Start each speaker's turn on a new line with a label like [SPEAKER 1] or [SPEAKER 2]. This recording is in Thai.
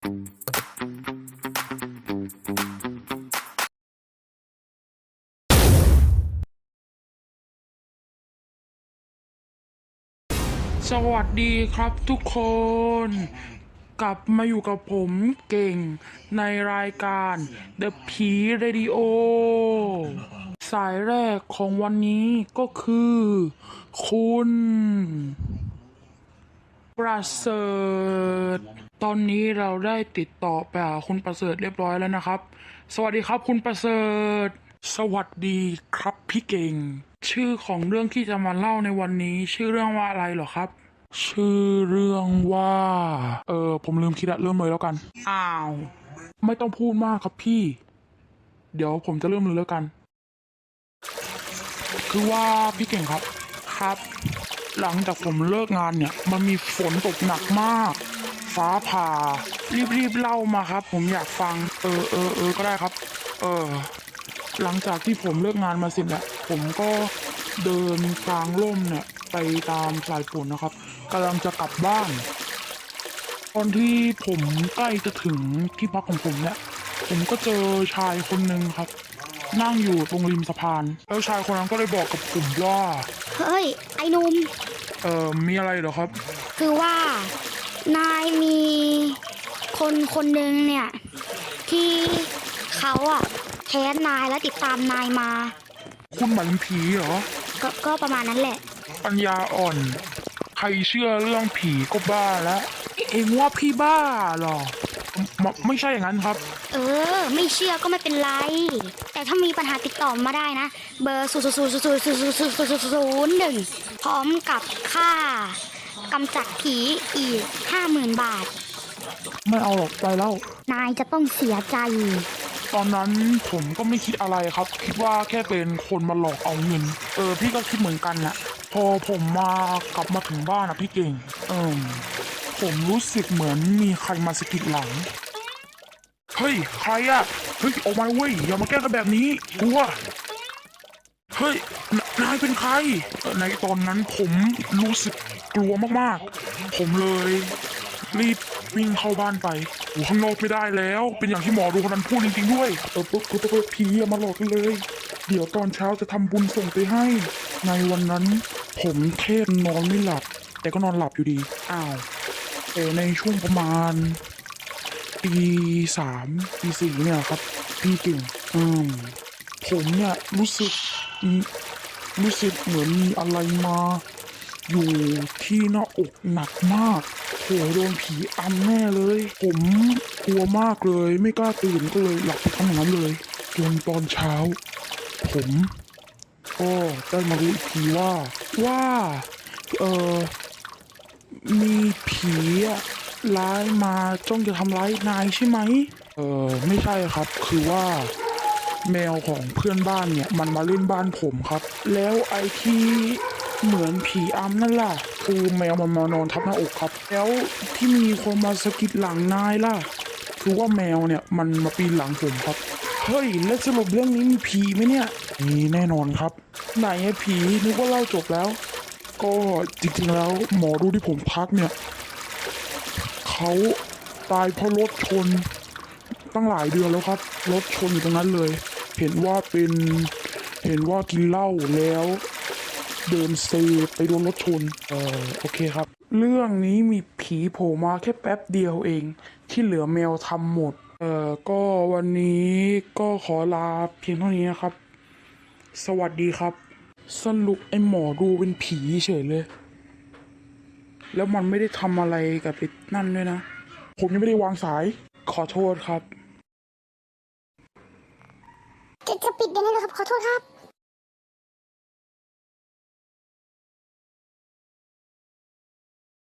[SPEAKER 1] สวัสดีครับทุกคนกลับมาอยู่กับผมเก่งในรายการ The P Radio สายแรกของวันนี้ก็คือคุณประเสริฐตอนนี้เราได้ติดต่อไปหาคุณประเสริฐเรียบร้อยแล้วนะครับสวัสดีครับคุณประเสริฐสวัสดีครับพี่เก่งชื่อของเรื่องที่จะมาเล่าในวันนี้ชื่อเรื่องว่าอะไรเหรอครับชื่อเรื่องว่าผมลืมคิดอะเริ่มเลยแล้วกันอ้าวไม่ต้องพูดมากครับพี่เดี๋ยวผมจะเริ่มเลยแล้วกันคือว่าพี่เก่งครับหลังจากผมเลิกงานเนี่ยมันมีฝนตกหนักมากฟ้าผ่ารีบเล่ามาครับผมอยากฟังก็ได้ครับหลังจากที่ผมเลิกงานมาเสร็จแล้วผมก็เดินกลางร่มเนี่ยไปตามสายฝนนะครับกำลังจะกลับบ้านตอนที่ผมใกล้จะถึงที่พักของผมเนี่ยผมก็เจอชายคนหนึ่งครับนั่งอยู่ตรงริมสะพานแล้วชายคนนั้นก็เลยบอกกับผมว่า
[SPEAKER 2] เฮ้ยไอ้หนุ่ม
[SPEAKER 1] มีอะไรเหรอครับ
[SPEAKER 2] คือว่านายมีคนหนึ่งเนี่ยที่เขาแค้นนายและติดตามนายมา
[SPEAKER 1] คุณหมายถึงผีเหรอ
[SPEAKER 2] ก็ประมาณนั้นแหละ
[SPEAKER 1] ปัญญาอ่อนใครเชื่อเรื่องผีก็บ้าแล้วเองว่าพี่บ้าเหรอไม่ใช่อย่างนั้นครับ
[SPEAKER 2] ไม่เชื่อก็ไม่เป็นไรแต่ถ้ามีปัญหาติดต่อมาได้นะเบอร์0000001พร้อมกับค่ากำจัดผีอีก 50,000 บาท
[SPEAKER 1] ไม่เอาหรอกไปแล้ว
[SPEAKER 2] นายจะต้องเสียใจ
[SPEAKER 1] ตอนนั้นผมก็ไม่คิดอะไรครับคิดว่าแค่เป็นคนมาหลอกเอาเงินพี่ก็คิดเหมือนกันนะพอผมกลับมาถึงบ้านพี่เก่งผมรู้สึกเหมือนมีใครมาสะกิดหลังเฮ้ยใครเฮ้ยออกมาเว้ยอย่ามาแกล้งกันแบบนี้กลัวเฮ้ยนายเป็นใครในตอนนั้นผมรู้สึกกลัวมากๆผมเลยรีบวิ่งเข้าบ้านไปข้างนอกไม่ได้แล้วเป็นอย่างที่หมอดูคนนั้นพูดจริงๆด้วยผีมาหลอกกันเลยเดี๋ยวตอนเช้าจะทำบุญส่งไปให้ในวันนั้นผมแค่นอนไม่หลับแต่ก็นอนหลับอยู่ดีแต่ในช่วงประมาณปี3ปี4เนี่ยครับพี่เก่งผมเนี่ยรู้สึกเหมือนมีอะไรมาอยู่ที่หน้าอกหนักมากโหโดนผีอำแน่เลยผมกลัวมากเลยไม่กล้าตื่นก็เลยหลับไปทั้งนั้นเลยจนตอนเช้าผมก็ได้มารู้อีกทีว่ามีผีร้ายมาจ้องจะทำร้ายนายใช่ไหมไม่ใช่ครับคือว่าแมวของเพื่อนบ้านเนี่ยมันมาเล่นบ้านผมครับแล้วไอ้ที่เหมือนผีอำนั่นล่ะคือแมวมันมานอนทับหน้าอกครับแล้วที่มีคนมาสะกิดหลังนายล่ะคือว่าแมวเนี่ยมันมาปีนหลังผมครับเฮ้ยแล้วสรุปเรื่องนี้มีผีไหมเนี่ยมีแน่นอนครับไหนผีนึกว่าเล่าจบแล้วก็จริงๆแล้วหมอดูที่ผมทักเนี่ยเขาตายเพราะรถชนตั้งหลายเดือนแล้วครับรถชนอยู่ตรงนั้นเลยเห็นว่ากินเหล้าแล้วเดินเซไปโดนรถชนโอเคครับเรื่องนี้มีผีโผล่มาแค่แป๊บเดียวเองที่เหลือแมวทำหมดก็วันนี้ก็ขอลาเพียงเท่านี้นะครับสวัสดีครับสรุปไอ้หมอดูเป็นผีเฉยเลยแล้วมันไม่ได้ทำอะไรกับไอ้นั่นด้วยนะผมยังไม่ได้วางสายขอโทษครับ
[SPEAKER 2] จะปิดเดี๋ยวนี้เลยครับขอโทษครับ